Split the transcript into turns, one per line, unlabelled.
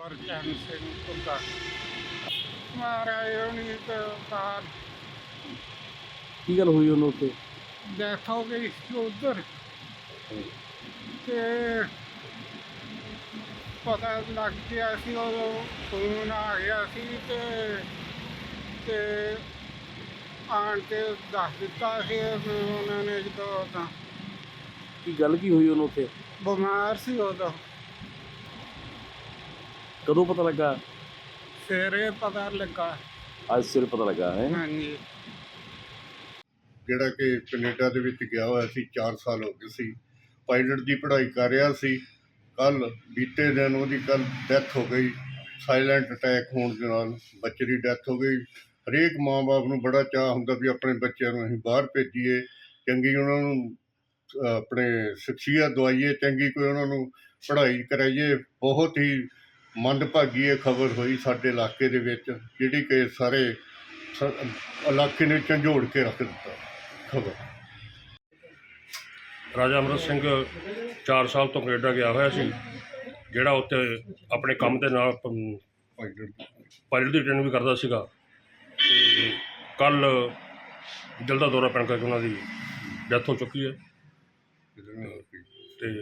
ਗੁਰਚਰਨ ਸਿੰਘ ਘੁੱਗਾ ਮਹਾਰਾਜ ਹੋਣੀ ਤਾਂ
ਕੀ ਗੱਲ ਹੋਈ ਉਹਨੂੰ ਉੱਥੇ?
ਡੈਥ ਹੋ ਗਈ ਸੀ ਉੱਧਰ ਤੇ ਪਤਾ ਲੱਗ ਗਿਆ ਸੀ ਉਦੋਂ ਫੋਨ ਆ ਗਿਆ ਸੀ ਤੇ ਆਣ ਕੇ ਦੱਸ ਦਿੱਤਾ ਸੀ ਉਹਨਾਂ ਨੇ ਜਦੋਂ ਤਾਂ
ਕੀ ਗੱਲ ਕੀ ਹੋਈ ਉਹਨੂੰ ਉੱਥੇ?
ਬਿਮਾਰ ਸੀ ਉਦੋਂ
ਕਦੋਂ ਪਤਾ ਲੱਗਾ?
ਸਵੇਰੇ ਪਤਾ ਲੱਗਾ।
ਅੱਜ ਸਵੇਰੇ ਪਤਾ ਲੱਗਾ ਹੈ।
ਹਾਂਜੀ
ਜਿਹੜਾ ਕਿ ਕੈਨੇਡਾ ਦੇ ਵਿੱਚ ਗਿਆ ਹੋਇਆ ਸੀ, 4 ਸਾਲ ਹੋ ਗਏ ਸੀ। ਪਾਇਲਟ ਦੀ ਪੜ੍ਹਾਈ ਕਰ ਰਿਹਾ ਸੀ। ਕੱਲ੍ਹ ਬੀਤੇ ਦਿਨ ਉਹਦੀ ਡੈਥ ਹੋ ਗਈ। ਸਾਇਲੈਂਟ ਅਟੈਕ ਹੋਣ ਦੇ ਨਾਲ ਬੱਚੇ ਦੀ ਡੈਥ ਹੋ ਗਈ। ਹਰੇਕ ਮਾਂ-ਬਾਪ ਨੂੰ ਬੜਾ ਚਾਅ ਹੁੰਦਾ ਵੀ ਆਪਣੇ ਬੱਚਿਆਂ ਨੂੰ ਅਸੀਂ ਬਾਹਰ ਭੇਜੀਏ, ਚੰਗੀ ਉਹਨਾਂ ਨੂੰ ਆਪਣੇ ਸ਼ਖਸੀਅਤ ਦਵਾਈਏ, ਚੰਗੀ ਕੋਈ ਉਹਨਾਂ ਨੂੰ ਪੜ੍ਹਾਈ ਕਰਾਈਏ। ਬਹੁਤ ਹੀ ਮੰਦਭਾਗੀ ਇਹ ਖਬਰ ਹੋਈ ਸਾਡੇ ਇਲਾਕੇ ਦੇ ਵਿੱਚ, ਜਿਹੜੀ ਕਿ ਸਾਰੇ ਇਲਾਕੇ ਨੇ ਝੰਜੋੜ ਕੇ ਰੱਖ ਦਿੱਤਾ। ਖਬਰ
ਰਾਜਾ ਅਮਰਤ ਸਿੰਘ 4 ਸਾਲ ਤੋਂ ਕੈਨੇਡਾ ਗਿਆ ਹੋਇਆ ਸੀ, ਜਿਹੜਾ ਉੱਥੇ ਆਪਣੇ ਕੰਮ ਦੇ ਨਾਲ ਪਾਇਲਟ ਦੀ ਟ੍ਰੇਨਿੰਗ ਵੀ ਕਰਦਾ ਸੀਗਾ। ਅਤੇ ਕੱਲ੍ਹ ਦਿਲ ਦਾ ਦੌਰਾ ਪੈਣ ਕਰਕੇ ਉਹਨਾਂ ਦੀ ਡੈਥ ਹੋ ਚੁੱਕੀ ਹੈ।